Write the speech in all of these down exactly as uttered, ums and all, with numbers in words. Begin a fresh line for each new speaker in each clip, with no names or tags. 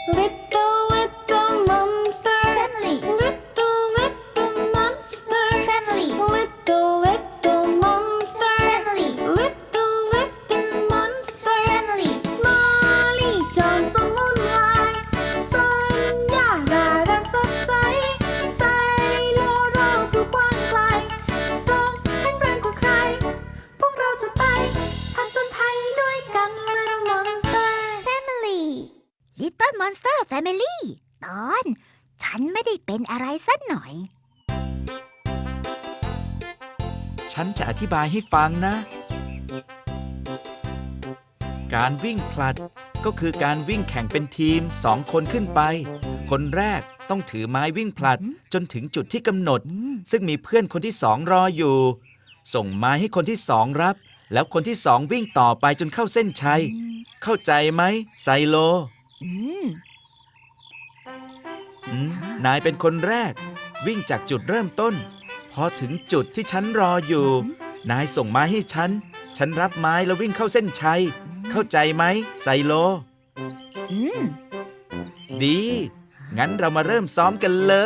Little little monster
Family.
Little little monster
Family.
Little little monster
Family.
Little little monster
Family.
Smiley จอมสมุนไพรสัญญาน่ารักสดใสไซโลโรคือกว้างไกล Strong แข็งแรงกว่าใคร พวกเราจะไปผจญภัยด้วยกัน Little Monster
Family Little Monster Family ตอนฉันไม่ได้เป็นอะไรสักหน่อย
ฉันจะอธิบายให้ฟังนะ การวิ่งผลัดก็คือการวิ่งแข่งเป็นทีมสองคนขึ้นไป คนแรกต้องถือไม้วิ่งผลัดจนถึงจุดที่กำหนด ซึ่งมีเพื่อนคนที่สองรออยู่ ส่งไม้ให้คนที่สองรับ แล้วคนที่สองวิ่งต่อไปจนเข้าเส้นชัย เข้าใจไหมไซโล
อืม
อืมนายเป็นคนแรก วิ่งจากจุดเริ่มต้น พอถึงจุดที่ฉันรออยู่ นายส่งไม้ให้ฉัน ฉันรับไม้แล้ววิ่งเข้าเส้นชัย เข้าใจไหมไซโล
อืม
ดี งั้นเรามาเริ่มซ้อมกันเลย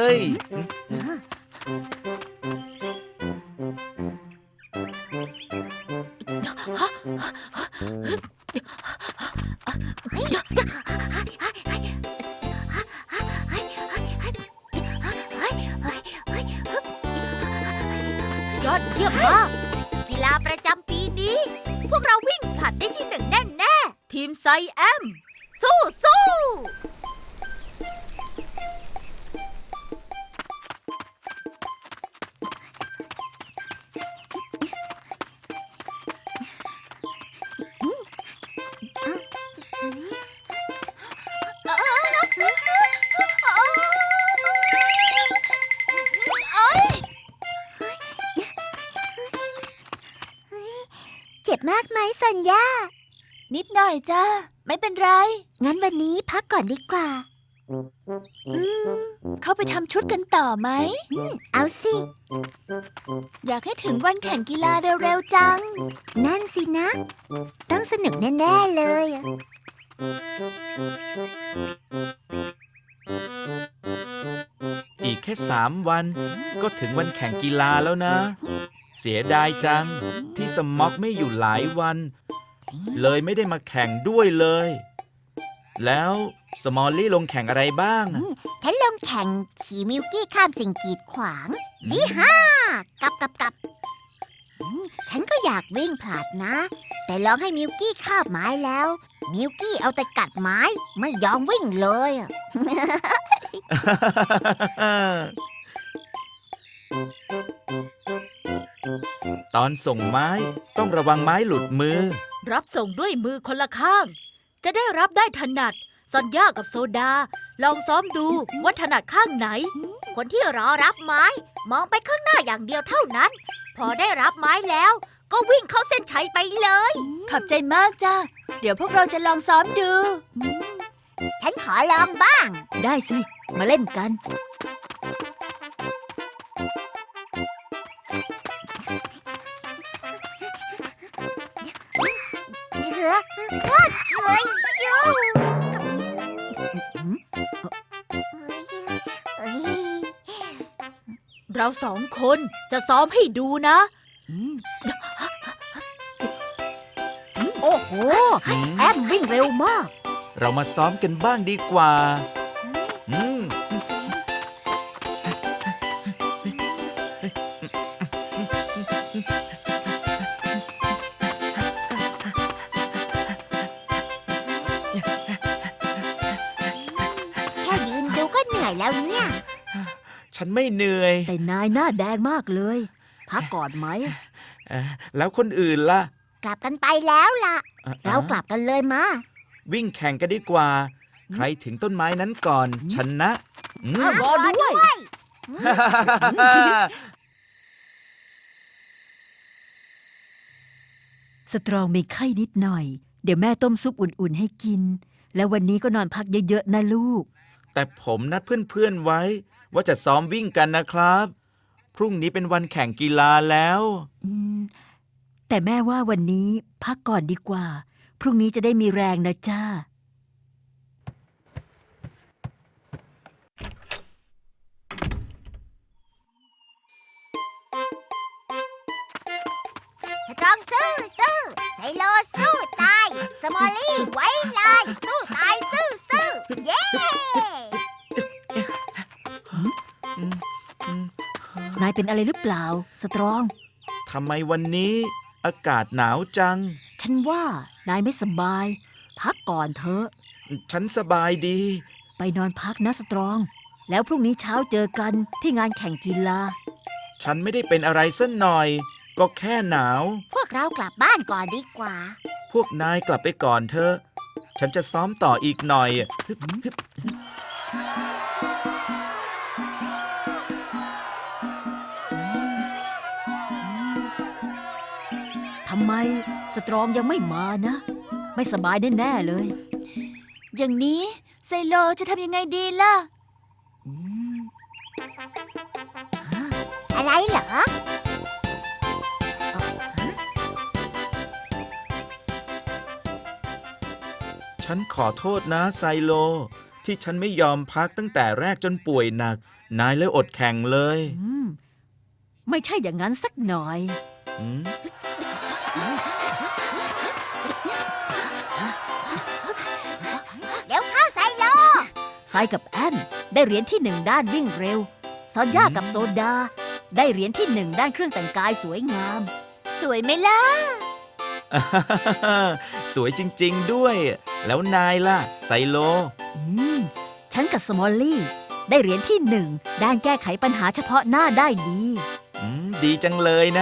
ยอดเยี่ยมมาก กีฬาประจำปีนี้ พวกเราวิ่งผลัดได้ที่หนึ่งแน่แน่ๆทีมไซแอม สู้สู้
เจ็บมากไหมสัญญา
นิดหน่อยจ้าไม่เป็นไร
งั้นวันนี้พักก่อนดีกว่า
อืม เข้าไปทำชุดกันต่อไหม
อืม เอาสิ
อยากให้ถึงวันแข่งกีฬาเร็วๆจัง
นั่นสินะ ต้องสนุกแน่ๆเลย
อีกแค่สามวัน ก็ถึงวันแข่งกีฬาแล้วนะ เสียดายจังที่สม็อกไม่อยู่หลายวัน เลยไม่ได้มาแข่งด้วยเลย แล้วสมอลลี่ลงแข่งอะไรบ้างอะ
ฉันลงแข่งขี่มิวกี้ข้ามสิ่งกีดขวางดีห้ากับกับกับอืมฉันก็อยากวิ่งผลัดนะ แต่ลองให้มิวกี้คาบไม้แล้ว มิวกี้เอาแต่กัดไม้ไม่ยอมวิ่งเลยอะ
ตอนส่งไม้ต้องระวังไม้หลุดมือ
รับส่งด้วยมือคนละข้าง จะได้รับได้ถนัดซอนย่ากับโซดา ลองซ้อมดูว่าถนัดข้างไหน คนที่รอรับไม้ มองไปข้างหน้าอย่างเดียวเท่านั้น พอได้รับไม้แล้ว ก็วิ่งเข้าเส้นชัยไปเลย ขอบใจมากจ้าเดี๋ยวพวกเราจะลองซ้อมดู
ฉันขอลองบ้าง
ได้สิ มาเล่นกัน
เชื้อเฮ้ยเฮ้ยยูเฮ้ย
เราสองคนจะซ้อมให้ดูนะ
โอ้โห แอมวิ่งเร็วมาก
เรามาซ้อมกันบ้างดีกว่า อืม
แค่ยืนดูก็เหนื่อยแล้วเนี่ย
ฉันไม่เหนื่อย
แต่นายหน้าแดงมากเลย พักก่อนไหม
เอ่อแล้วคนอื่นล่ะ
กลับกันไปแล้วล่ะ
อ่ะ
เรากลับกันเลยมา
วิ่งแข่งกันดีกว่า ใครถึงต้นไม้นั้นก่อนชนะอืม
รอด้วย
สตรองมีไข้นิดหน่อย เดี๋ยวแม่ต้มซุปอุ่นๆให้กิน แล้ววันนี้ก็นอนพักเยอะๆนะลูก
แต่ผมนัดเพื่อนๆไว้ ว่าจะซ้อมวิ่งกันนะครับ พรุ่งนี้เป็นวันแข่งกีฬาแล้ว
อืม แต่แม่ว่าวันนี้พักก่อนดีกว่า พรุ่งนี้จะได้มีแรงนะจ้า
สู้สู้ไซโลสู้ตาย สมอลลี่ไว้ลายสู้ตายสู้สู้เย้
นายเป็นอะไรหรือเปล่า สตรอง
ทำไมวันนี้อากาศหนาวจัง
ฉันว่านายไม่สบาย พักก่อนเถอะ
ฉันสบายดี
ไปนอนพักนะสตรอง แล้วพรุ่งนี้เช้าเจอกันที่งานแข่งกีฬา
ฉันไม่ได้เป็นอะไรสักหน่อย ก็แค่หนาว
พวกเรากลับบ้านก่อนดีกว่า
พวกนายกลับไปก่อนเถอะ ฉันจะซ้อมต่ออีกหน่อยฮึบฮึบ
ทำไมสตรองยังไม่มานะ ไม่สบายแน่ๆเลย
อย่างนี้ไซโลจะทำยังไงดีล่ะ
อืม
อะไรเหรอ
ฉันขอโทษนะไซโล ที่ฉันไม่ยอมพักตั้งแต่แรกจนป่วยหนัก นายเลยอดแข่งเลย
อืม ไม่ใช่อย่างนั้นสักหน่อย
อืม
เดี๋ยวเข้าไซโล
ไซกับแอนได้เหรียญที่หนึ่งด้านวิ่งเร็ว ซอนย่ากับโซดา ได้เหรียญที่หนึ่งด้านเครื่องแต่งกายสวยงาม
สวยไหมล่ะ
สวยจริงๆด้วย แล้วนายล่ะ ไซโล
อืม ฉันกับสมอลลี่ ได้เหรียญที่หนึ่งด้านแก้ไขปัญหาเฉพาะหน้าได้ดี
อืม ดีจังเลยนะ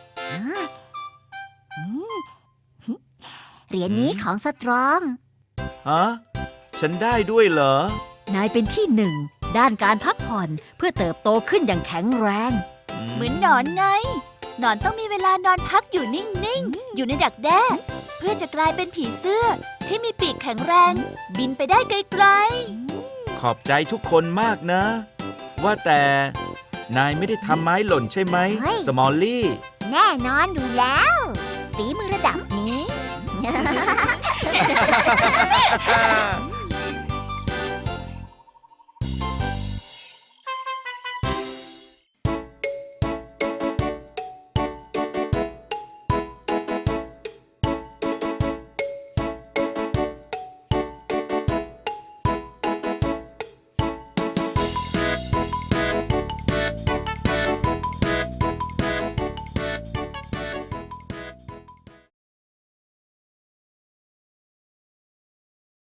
เหรียญนี้ของสตรอง
ฮะ ฉันได้ด้วยเหรอ
นายเป็นที่หนึ่งด้านการพักผ่อนเพื่อเติบโตขึ้นอย่างแข็งแรง
เหมือนหนอนไง หนอนต้องมีเวลานอนพักอยู่นิ่ง ๆ อยู่ในดักแด้ เพื่อจะกลายเป็นผีเสื้อที่มีปีกแข็งแรง บินไปได้ไกล
ขอบใจทุกคนมากนะ ว่าแต่ นายไม่ได้ทำไม้หล่นใช่ไหม
เฮ้ย
สมอลลี่
แน่นอนอยู่แล้ว ฝีมือระดับนี้
ๆ